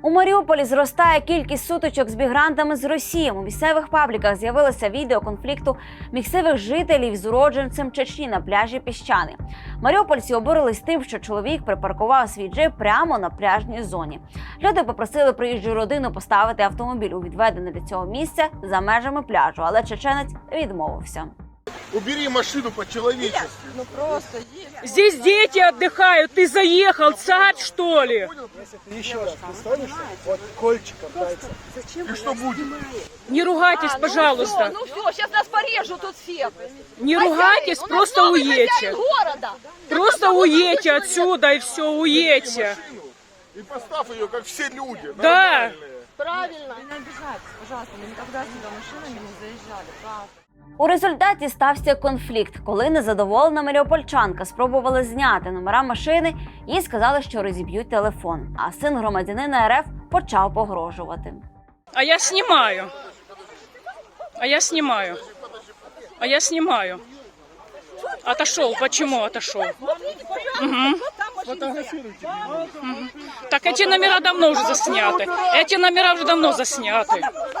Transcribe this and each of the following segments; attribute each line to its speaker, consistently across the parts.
Speaker 1: У Маріуполі зростає кількість сутичок з мігрантами з Росії. У місцевих пабліках з'явилося відео конфлікту місцевих жителів з уродженцем Чечні на пляжі Піщани. Маріупольці обурились тим, що чоловік припаркував свій джип прямо на пляжній зоні. Люди попросили приїжджу родину поставити автомобіль у відведене для цього місце за межами пляжу, але чеченець відмовився.
Speaker 2: Убери машину по-человечески.
Speaker 3: Ну просто
Speaker 4: Здесь дети отдыхают, ты заехал, царь что ли?
Speaker 5: Если ты еще раз пристанешься, вот кольчиком дается.
Speaker 2: И что будет?
Speaker 4: Не ругайтесь, пожалуйста.
Speaker 3: Ну все, сейчас нас порежут тут всех.
Speaker 4: Не ругайтесь, просто уедьте.
Speaker 3: Города.
Speaker 4: Просто уедьте отсюда и все, уедьте.
Speaker 2: И поставь ее, как все люди.
Speaker 4: Да.
Speaker 3: Правильно.
Speaker 6: Не обижайтесь, пожалуйста, мы никогда сюда машинами не заезжали, правда.
Speaker 1: У результаті стався конфлікт, коли незадоволена маріупольчанка спробувала зняти номера машини і сказали, що розіб'ють телефон. А син громадянина РФ почав погрожувати.
Speaker 4: А я снимаю. А я снимаю. А я снимаю. Отошел. Почему отошел?
Speaker 2: Фотографируйте.
Speaker 4: Так эти номера давно уже засняты. Эти номера уже давно засняты.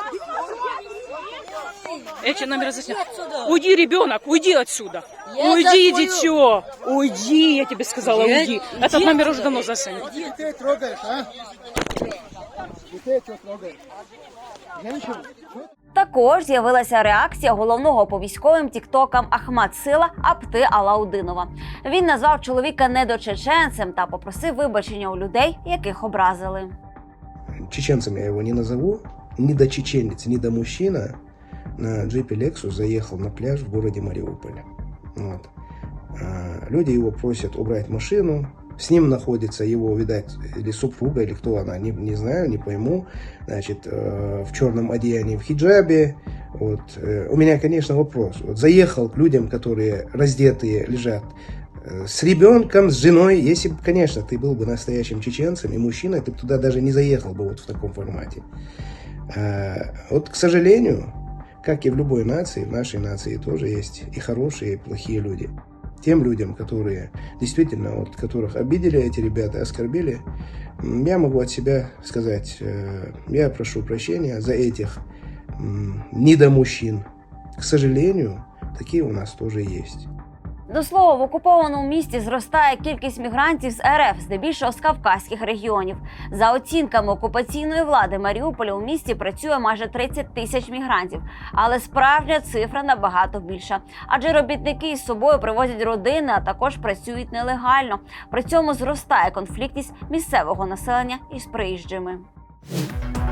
Speaker 4: Эти номера засняты. Уйди, ребенок, уйди отсюда. Уйди, дитё. Уйди, я тебе сказала, уйди. Этот номер уже давно заснят.
Speaker 5: Детей трогаешь, а? Детей что трогаешь? Женщину?
Speaker 1: Також з'явилася реакція головного по військовим тіктокам Ахмад Сила Апти Алаудинова. Він назвав чоловіка недочеченцем та попросив вибачення у людей, яких образили.
Speaker 7: Чеченцем я его не назову, ни до чеченец, ни до мужчина на джипе Lexus заехал на пляж в городе Мариуполь. Вот. Люди его просят убрать машину, с ним находится его, видать, или супруга, или кто она, не знаю, не пойму, значит, в черном одеянии, в хиджабе. Вот. У меня, конечно, вопрос. Вот заехал к людям, которые раздетые лежат, с ребенком, с женой. Если бы, конечно, ты был бы настоящим чеченцем и мужчиной, ты бы туда даже не заехал бы вот в таком формате. Вот, к сожалению, как и в любой нации, в нашей нации тоже есть и хорошие, и плохие люди. Тем людям, которые действительно, вот, которых обидели эти ребята, оскорбили, я могу от себя сказать, я прошу прощения за этих недомужчин. К сожалению, такие у нас тоже есть.
Speaker 1: До слова, в окупованому місті зростає кількість мігрантів з РФ, здебільшого з кавказьких регіонів. За оцінками окупаційної влади Маріуполя у місті працює майже 30 тисяч мігрантів. Але справжня цифра набагато більша. Адже робітники із собою привозять родини, а також працюють нелегально. При цьому зростає конфліктність місцевого населення із приїжджими.